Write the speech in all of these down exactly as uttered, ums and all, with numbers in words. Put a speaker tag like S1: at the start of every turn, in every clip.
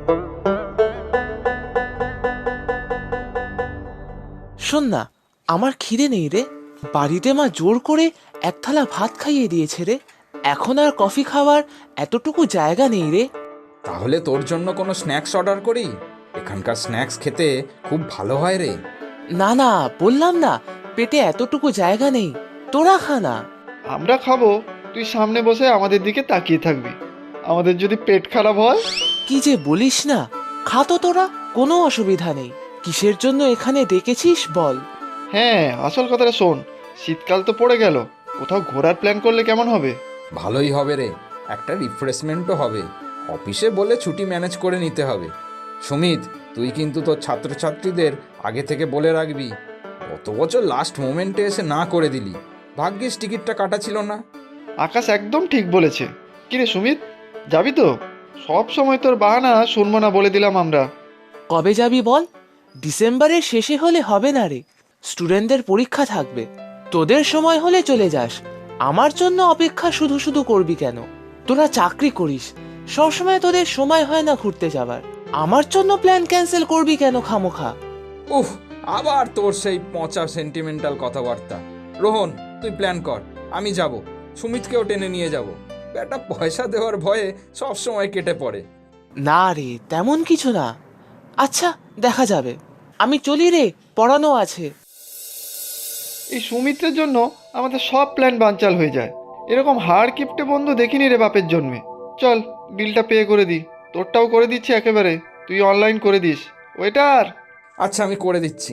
S1: শোন না, আমার খিদে নেই রে। বাড়িতে মা জোর করে এক থালা ভাত খাইয়ে দিয়েছে রে। এখন আর কফি খাওয়ার এতটুকু জায়গা নেই রে।
S2: তাহলে তোর জন্য কোনো স্ন্যাক্স অর্ডার করি? এখানকার স্ন্যাক্স খেতে খুব ভালো হয় রে।
S1: না না, বললাম না পেটে এতটুকু জায়গা নেই। তোরা খা না।
S3: আমরা খাবো, তুই সামনে বসে আমাদের দিকে তাকিয়ে থাকবি। আমাদের যদি পেট খারাপ হয়?
S1: কি যে বলিস না, খা তো তোরা, কোনো অসুবিধা নেই। কিসের জন্য এখানে ডেকেছিস বল?
S3: হ্যাঁ, আসল কথাটা শোন। শীতকাল তো পড়ে গেল, কোথাও ঘোরার প্ল্যান করলে কেমন হবে?
S2: ভালোই হবে রে, একটা রিফ্রেশমেন্টও হবে। অফিসে বলে ছুটি ম্যানেজ করে নিতে হবে। সুমিত, তুই কিন্তু তোর ছাত্রছাত্রীদের আগে থেকে বলে রাখবি। গত বছর লাস্ট মোমেন্টে এসে না করে দিলি, ভাগ্যিস টিকিটটা কাটা ছিল না।
S3: আকাশ একদম ঠিক বলেছে। কিরে সুমিত, যাবি তো? সব সময় তোর বাহানা শুনবো না বলে দিলাম আমরা।
S1: কবে যাবি বল? ডিসেম্বরের শেষে হলে হবে না রে, স্টুডেন্টদের পরীক্ষা থাকবে। তোদের সময় হলে চলে যাস, আমার জন্য অপেক্ষা শুধু শুধু করবি কেন? তোরা চাকরি করিস, সবসময় তোদের সময় হয় না ঘুরতে যাবার। আমার জন্য প্ল্যান ক্যান্সেল করবি কেন খামোখা?
S2: উফ, আবার তোর সেই পচা সেন্টিমেন্টাল কথাবার্তা। রোহন, তুই প্ল্যান কর, আমি যাব। সুমিতকেও টেনে নিয়ে যাব। একটা পয়সা দেওয়ার ভয়ে সব সময় কেটে পড়ে।
S1: না রে, তেমন কিছু না। আচ্ছা, দেখা যাবে। আমি চলি রে, পড়ানো আছে।
S3: এই সুমিত্রের জন্য আমাদের সব প্ল্যান বানচাল হয়ে যায়। এরকম হাড় কিপটে বন্ধু দেখিনি রে বাপের জন্মে। চল, বিলটা পে করে দি। তোরটাও করে দিচ্ছি একেবারে, তুই অনলাইন করে দিস। ওয়েটার!
S2: আচ্ছা, আমি করে দিচ্ছি।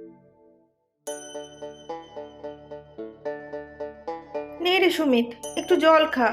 S4: নে রে সুমিত, একটু জল খা।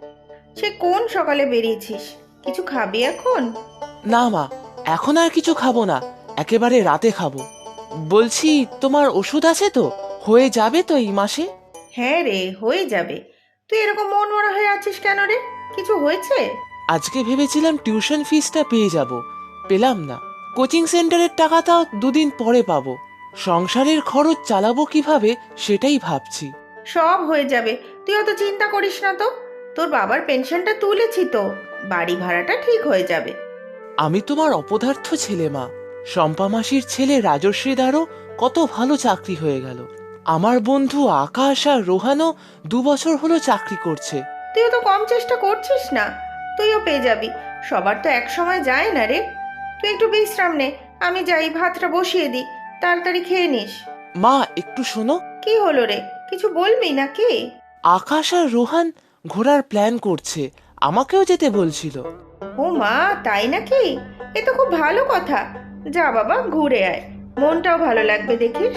S4: সে কোন সকালে বেরিয়েছিস, কিছু খাবি এখন?
S1: না মা, এখন আর কিছু খাবো না, একেবারে রাতে খাবো। বলছি, তোমার ওষুধ আছে তো? হয়ে যাবে তো এই মাসে?
S4: হ্যাঁ রে, হয়ে যাবে। তুই এরকম মন মরা হয়ে আছিস কেন রে? কিছু হয়েছে?
S1: আজকে ভেবেছিলাম টিউশন ফিসটা পেয়ে যাব, পেলাম না। কোচিং সেন্টারের টাকাটাও দুদিন পরে পাবো। সংসারের খরচ চালাবো কিভাবে সেটাই ভাবছি।
S4: সব হয়ে যাবে, তুই অত চিন্তা করিস না তো। তোর বাবার পেনশনটা তুলেছি তো, বাড়ি ভাড়াটা ঠিক হয়ে যাবে।
S1: আমি তোমার অপদার্থ ছেলে মা। শম্পা মাসির ছেলে রাজশ্রীদারও কত ভালো চাকরি হয়ে গেল। আমার বন্ধু আকাশ আর রোহানও দু বছর হলো চাকরি করছে।
S4: তুইও তো কম চেষ্টা করছিস না, তুইও পেয়ে যাবি। সবার তো এক সময় যায় না রে। তুই একটু বিশ্রাম নে, আমি যাই ভাতটা বসিয়ে দিই, তাড়াতাড়ি খেয়ে নিস।
S1: মা, একটু শোনো।
S4: কি হলো রে, কিছু বলবি নাকি?
S1: আকাশ আর রোহান ঘোরার প্ল্যান করছে, আমাকেও যেতে বলছিল।
S4: ও মা, তাই নাকি? এ তো খুব ভালো কথা। যা বাবা, ঘুরে আয়, মনটাও ভালো লাগবে দেখিস।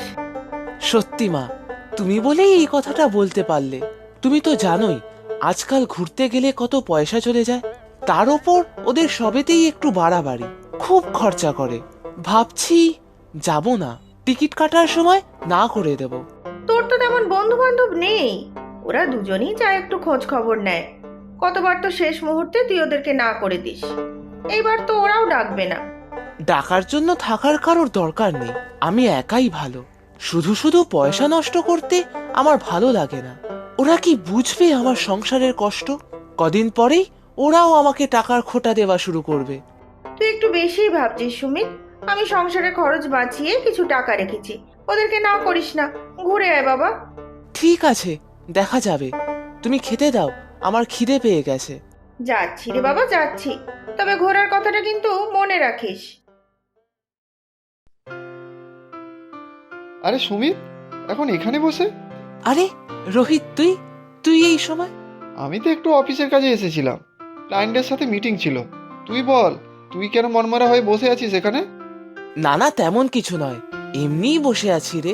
S1: সত্যি মা, তুমি বলেই এই কথাটা বলতে পারলে। তুমি তো জানোই আজকাল ঘুরতে গেলে কত পয়সা চলে যায়। তার ওপর ওদের সবেতেই একটু বাড়াবাড়ি, খুব খরচা করে। ভাবছি যাব না, টিকিট কাটার সময় না করে দেব।
S4: তোর তো তেমন বন্ধু বান্ধব নেই, ওরা দুজনেই যা একটু খোঁজ খবর নেয়। কতবার তো শেষ মুহূর্তে তুই ওদেরকে না করে দিস, এইবার তো ওরাও ডাকবে না।
S1: ডাকার জন্য থাকার কারোর দরকার নেই, আমি একাই ভালো। শুধু শুধু পয়সা নষ্ট করতে আমার ভালো লাগে না। ওরা কি বুঝবে আমার সংসারের কষ্ট? কদিন পরেই ওরাও আমাকে টাকার খোটা দেওয়া শুরু করবে।
S4: তুই একটু বেশিই ভাবছিস সুমিত। আমি সংসারে খরচ বাঁচিয়ে কিছু টাকা রেখেছি, ওদেরকে না করিস না। ঘুরে আয় বাবা।
S1: ঠিক আছে, দেখা যাবে। তুমি খেতে দাও, আমার খিদে পেয়ে গেছে।
S4: যাচ্ছি রে বাবা, যাচ্ছি। তবে ঘোরার কথাটা কিন্তু মনে রাখিস।
S3: আরে সুমিত, এখন এখানে বসে?
S1: আরে রোহিত, তুই তুই এই সময়?
S3: আমি তো একটু অফিসের কাজে এসেছিলাম, ক্লায়েন্টের সাথে মিটিং ছিল। তুই বল, তুই কেন মনমরা হয়ে বসে আছিস এখানে?
S1: না না, তেমন কিছু নয়, এমনিই বসে আছি রে।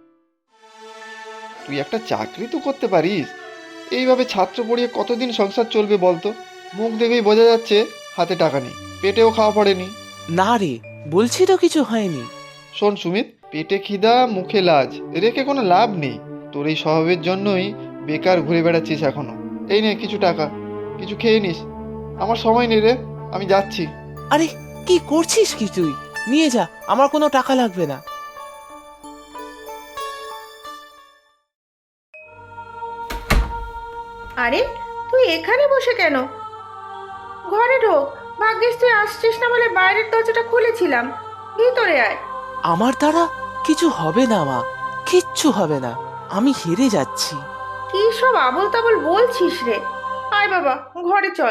S3: তুই একটা চাকরি তো করতে পারিস। এইভাবে ছাত্র পড়িয়ে কতদিন সংসার চলবে বলতো? মুখ দেখেই বোঝা যাচ্ছে হাতে টাকা নেই, পেটেও খাওয়া পড়েনি।
S1: না রে, বলছি তো কিছু হয়নি।
S3: শোন সুমিত, পেটে খিদা মুখে লাজ রেখে কোনো লাভ নেই। তোর এই স্বভাবের জন্যই বেকার ঘুরে বেড়াচ্ছিস এখনো। এই নে কিছু টাকা, কিছু খেয়ে নিস। আমার সময় নেই রে, আমি যাচ্ছি।
S1: আরে কি করছিস কি তুই? নিয়ে যা, আমার কোনো টাকা লাগবে না।
S4: আরে, তুই এখানে বসে কেন? ঘরে ঢোক, ভাগ্যিস তুই আসছিস না বলে বাইরের দরজাটা খুলেছিলাম। ভিতরে আয়।
S1: আমার দ্বারা কিছু হবে না মা, কিচ্ছু হবে না। আমি হেরে যাচ্ছি।
S4: কি সব আবোল তাবোল বলছিস রে? আয় বাবা, ঘরে চল।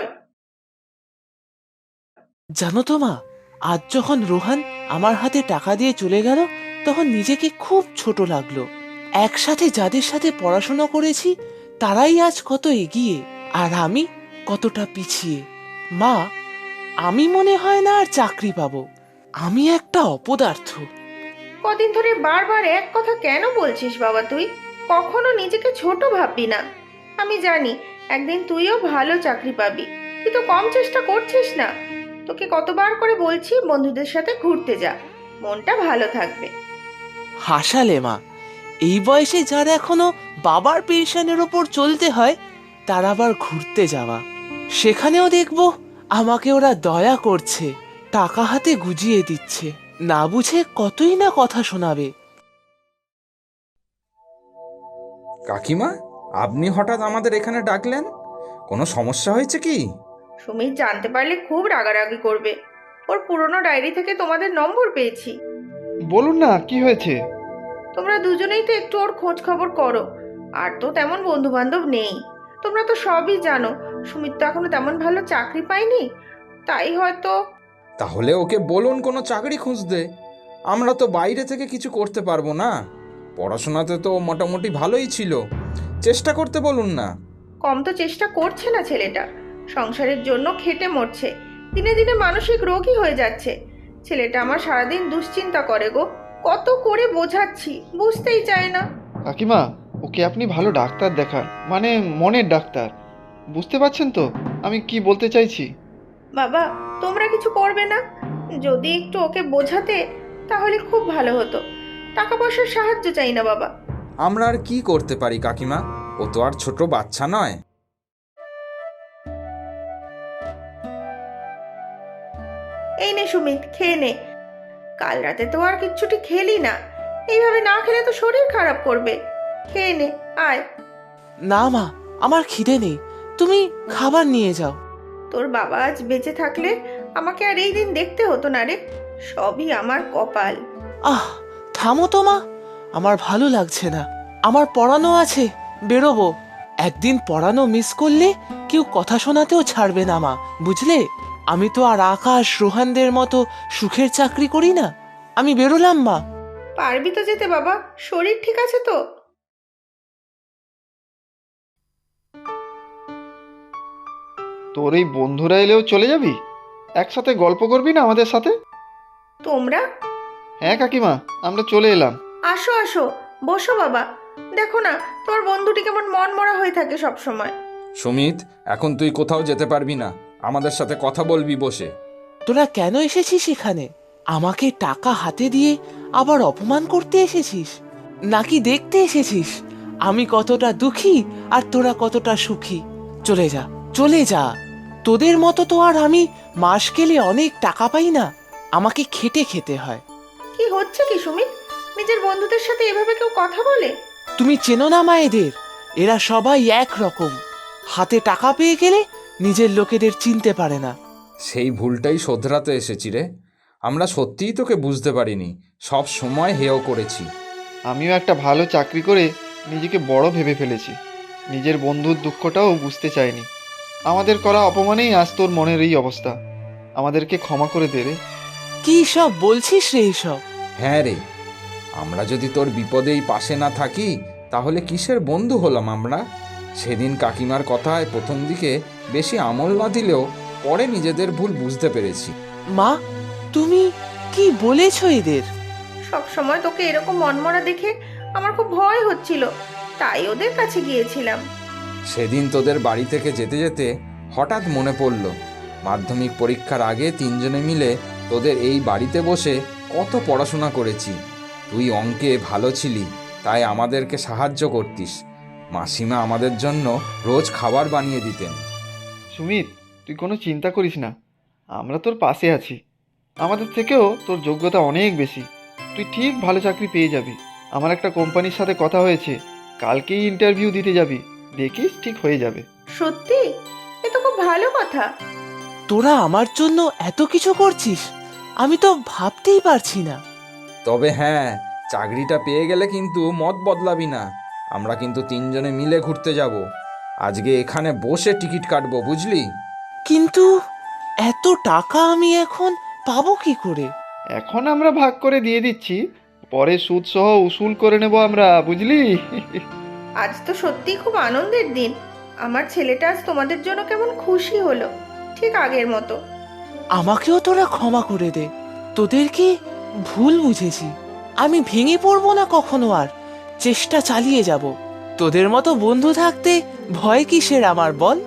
S1: জানো তো মা, আজ যখন রোহান আমার হাতে টাকা দিয়ে চলে গেল, তখন নিজেকে খুব ছোট লাগলো। একসাথে যাদের সাথে পড়াশোনা করেছি তারাই আজ কত এগিয়ে, আর আমি কতটা পিছিয়ে। মা, আমি মনে হয় না আর চাকরি পাবো। আমি একটা অপদার্থ।
S4: কদিন ধরে বারবার এক কথা কেন বলছিস বাবা? তুই কখনো নিজেকে ছোট ভাববি না। আমি জানি একদিন তুইও ভালো চাকরি পাবি। তুই তো কম চেষ্টা করছিস না। তোকে কতবার করে বলছি বন্ধুদের সাথে ঘুরতে যা, মনটা ভালো থাকবে।
S1: হাসালে মা, এই বয়সে যার এখনো বাবার পেনশনের ওপর চলতে হয়, তার আবার ঘুরতে যাওয়া। সেখানেও দেখবো আমাকে ওরা দয়া করছে, টাকা হাতে গুজিয়ে দিচ্ছে, না বুঝে কতই না কথা শোনাবে।
S2: কাকিমা, আপনি হঠাৎ আমাদের এখানে ডাকলেন? কোনো সমস্যা হয়েছে কি?
S4: সুমিত জানতে পারলে খুব রাগারাগি করবে। ওর পুরনো ডায়েরি থেকে তোমাদের নম্বর পেয়েছি।
S3: বলুন না, কি হয়েছে?
S4: তোমরা দুজনেই তো একটু ওর খোঁজ খবর করো। আর তো তেমন বন্ধু বান্ধব নেই। তোমরা তো সবই জানো, সুমিত তো এখনো তেমন ভালো চাকরি পায়নি। তাই হয়তো।
S2: তাহলে ওকে বলুন কোনো চাকরি খুঁজতে। আমরা তো বাইরে থেকে কিছু করতে পারবো না। পড়াশোনাতে তো মোটামুটি ভালোই ছিল, চেষ্টা করতে বলুন না।
S4: কম তো চেষ্টা করছে না ছেলেটা। সংসারের জন্য খেটে মরছে, দিনে দিনে মানসিক রোগী হয়ে যাচ্ছে। ছেলেটা আমার সারাদিন দুশ্চিন্তা করে গো। কত করে বোঝাচ্ছি, বুঝতেই চায় না।
S3: কাকিমা, ওকে আপনি ভালো ডাক্তার দেখান, মানে মনের ডাক্তার। বুঝতে পারছেন তো আমি কি বলতে চাইছি?
S4: বাবা, তোমরা কিছু করবে না? যদি একটু ওকে বোঝাতে তাহলে খুব ভালো হতো। টাকা পয়সার সাহায্য চাই না বাবা।
S2: আমরা আর কি করতে পারি কাকিমা? ও তো আর ছোট বাচ্চা নয়।
S4: এই নে সুমিত, খেয়ে নে। কাল রাতে তো আর কিচ্ছুটি খেলি না। এইভাবে না খেলে তো শরীর খারাপ করবে। খেয়ে নে, আয়।
S1: না মা, আমার খিদে নেই, তুমি খাবার নিয়ে যাও।
S4: তোর বাবা আজ বেঁচে থাকলে আমাকে আর এই দিন দেখতে হতো না রে। সবই আমার কপাল।
S1: আহ, থামো তো মা, আমার ভালো লাগছে না। আমার পড়ানো আছে, বেরোবো। একদিন পড়ানো মিস করলে কেউ কথা শোনাতেও ছাড়বে না মা, বুঝলে? আমি তো আর আকাশ রোহানদের মতো সুখের চাকরি করি না। আমি বেরোলাম মা।
S4: পারবি তো যেতে বাবা? শরীর ঠিক আছে তো?
S3: তোর এই বন্ধুরা এলেও চলে যাবি? একসাথে গল্প করবি না আমাদের সাথে?
S4: তোমরা?
S3: হ্যাঁ কাকিমা, আমরা চলে এলাম।
S4: আসো আসো, বসো বাবা। দেখো না, তোমার বন্ধুটি কেমন মন মরা হয়ে থাকে সব সময়।
S2: সুমিত, এখন তুই কোথাও যেতে পারবি না, আমাদের সাথে কথা বলবি বসে।
S1: তোরা কেন এসেছিস এখানে? আমাকে টাকা হাতে দিয়ে আবার অপমান করতে এসেছিস, নাকি দেখতে এসেছিস আমি কতটা দুঃখী আর তোরা কতটা সুখী? চলে যা, চলে যা। তোদের মতো তো আর আমি মাস গেলে অনেক টাকা পাই না, আমাকে খেটে খেতে হয়।
S4: কি হচ্ছে কি সুমিত? নিজের বন্ধুদের সাথে এভাবে কেউ কথা বলে?
S1: তুমি চেনো না মায়েদের? এরা সবাই এক রকম। হাতে টাকা পেয়ে গেলে নিজের লোকেদের চিনতে পারে না।
S2: সেই ভুলটাই শোধরাতে এসেছি রে। আমরা সত্যিই তোকে বুঝতে পারিনি, সব সময় হেয় করেছি।
S3: আমিও একটা ভালো চাকরি করে নিজেকে বড় ভেবে ফেলেছি। নিজের বন্ধুর দুঃখটাও বুঝতে চাইনি। আমাদের করা অপমানেই আজ তোর মনের এই অবস্থা। আমাদেরকে ক্ষমা করে দে রে।
S1: কি সব বলছিস রে এইসব?
S2: হ্যাঁ রে, আমরা যদি তোর বিপদেই পাশে না থাকি তাহলে কিসের বন্ধু হলাম আমরা? সেদিন কাকিমার কথায় প্রথম দিকে বেশি আমল না দিলেও পরে নিজেদের ভুল বুঝতে পেরেছি।
S1: মা, তুমি কি বলেছ এদের?
S4: সব সময় তোকে এরকম মনমরা দেখে আমার খুব ভয় হচ্ছিল, তাই ওদের কাছে গিয়েছিলাম।
S2: সেদিন তোদের বাড়ি থেকে যেতে যেতে হঠাৎ মনে পড়ল, মাধ্যমিক পরীক্ষার আগে তিনজনে মিলে তোদের এই বাড়িতে বসে কত পড়াশোনা করেছি। তুই অঙ্কে ভালো ছিলি, তাই আমাদেরকে সাহায্য করতিস। মাসিমা আমাদের জন্য রোজ খাবার বানিয়ে দিতেন।
S3: সুমিত, তুই কোনো চিন্তা করিস না, আমরা তোর পাশে আছি। আমাদের থেকেও তোর যোগ্যতা অনেক বেশি। তুই ঠিক ভালো চাকরি পেয়ে যাবি। আমার একটা কোম্পানির সাথে কথা হয়েছে, কালকেই ইন্টারভিউ দিতে যাবি। দেখিস ঠিক হয়ে যাবে।
S4: সত্যি? এ তো খুব ভালো কথা।
S1: তোরা আমার জন্য এত কিছু করছিস, আমি তো ভাবতেই পারছি না।
S2: তবে হ্যাঁ, চাকরিটা পেয়ে গেলে কিন্তু মত বদলাবি না। আমরা কিন্তু তিনজনে মিলে ঘুরতে যাব। আজকে এখানে বসে টিকিট কাটবো, বুঝলি?
S1: কিন্তু এত টাকা আমি এখন পাবো কি করে?
S3: এখন আমরা ভাগ করে দিয়ে দিচ্ছি, পরে সুদ সহ উসুল করে নেব আমরা, বুঝলি?
S4: আজ তো সত্যিই খুব আনন্দের দিন। আমার ছেলেটা আজ তোমাদের জন্য কেমন খুশি হলো, ঠিক আগের মতো।
S1: আমাকেও তোরা ক্ষমা করে দে, তোদেরকে ভুল বুঝেছি। আমি ভেঙে পড়বো না কখনো আর, চেষ্টা চালিয়ে যাব। তোদের মতো বন্ধু থাকতে ভয় কিসের আমার বল?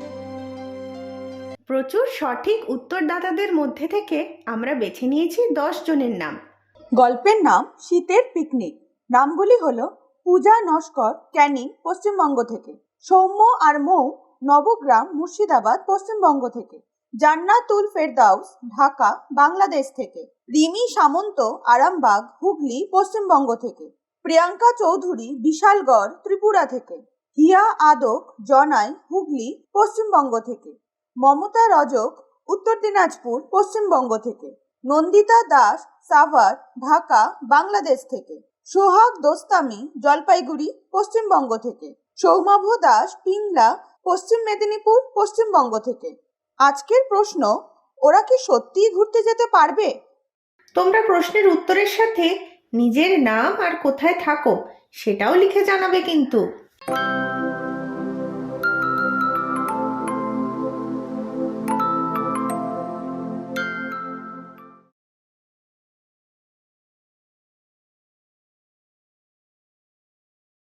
S4: প্রচুর সঠিক উত্তরদাতাদের মধ্যে থেকে আমরা বেছে নিয়েছি দশ জনের নাম।
S5: গল্পের নাম শীতের পিকনিক। নামগুলি হলো পূজা নস্কর, ক্যানিং, পশ্চিমবঙ্গ থেকে; সৌম্য আর মৌ, নবগ্রাম, মুর্শিদাবাদ, পশ্চিমবঙ্গ থেকে; জান্নাতুল ফেরদাউস, ঢাকা, বাংলাদেশ থেকে; রিমি সামন্ত, আরামবাগ, হুগলি, পশ্চিমবঙ্গ থেকে; প্রিয়াঙ্কা চৌধুরী, বিশালগড়, ত্রিপুরা থেকে; হিয়া আদক, জনাই, হুগলি, পশ্চিমবঙ্গ থেকে; মমতা রজক, উত্তর দিনাজপুর, পশ্চিমবঙ্গ থেকে; নন্দিতা দাস, সাভার, ঢাকা, বাংলাদেশ থেকে; সোহাগ দোস্তামি, জলপাইগুড়ি, পশ্চিমবঙ্গ থেকে; সৌমাভ দাস, পিংলা, পশ্চিম মেদিনীপুর, পশ্চিমবঙ্গ থেকে। আজকের প্রশ্ন, ওরা কি সত্যিই ঘুরতে যেতে পারবে?
S4: তোমরা প্রশ্নের উত্তরের সাথে নিজের নাম আর কোথায় থাকো সেটাও লিখে জানাবে কিন্তু।